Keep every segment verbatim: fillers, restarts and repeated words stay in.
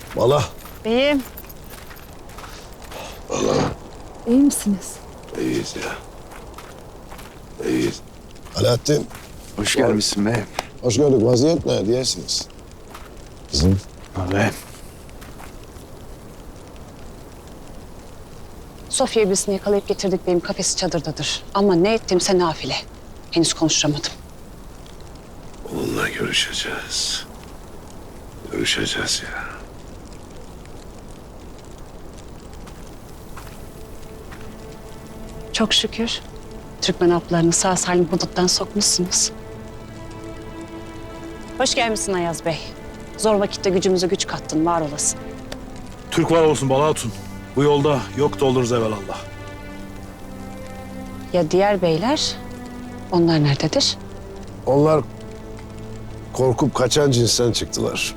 Bala. Beyim. Bala. İyi misiniz? İyiyiz ya. İyiyiz. Alaaddin. Hoş gelmişsin beyim. Hoş gördük. Vaziyet ne diyesiniz? Kızım. Beyim. Sofya iblisini yakalayıp getirdik, benim kafesi çadırdadır. Ama ne ettimse nafile. Henüz konuşturamadım. Onunla görüşeceğiz. Görüşeceğiz ya. Çok şükür Türkmen aplarını sağ salim huduttan sokmuşsunuz. Hoş gelmişsin Ayaz Bey. Zor vakitte gücümüze güç kattın, var olasın. Türk var olsun Bala Hatun. Bu yolda yok da oluruz evelallah. Ya diğer beyler, onlar nerededir? Onlar korkup kaçan cinsten çıktılar.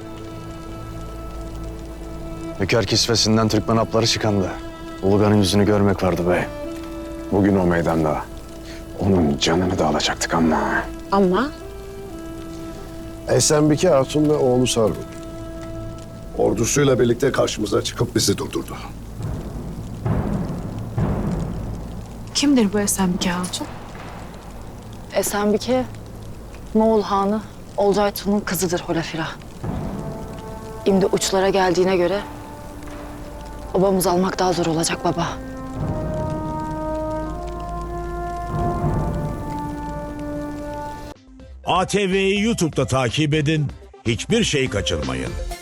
Hünkâr kisvesinden Türkmen apları çıkandı. Ulugan'ın yüzünü görmek vardı bey. Bugün o meydanda onun canını da alacaktık ama... Ama Esenbike Hatun ve oğlu Sargun ordusuyla birlikte karşımıza çıkıp bizi durdurdu. Kimdir bu Esenbike Hatun? Esenbike, Moğol Hanı Olcay Tun'un kızıdır Holafira. Şimdi uçlara geldiğine göre obamızı almak daha zor olacak baba. A T V'yi YouTube'da takip edin, hiçbir şey kaçırmayın.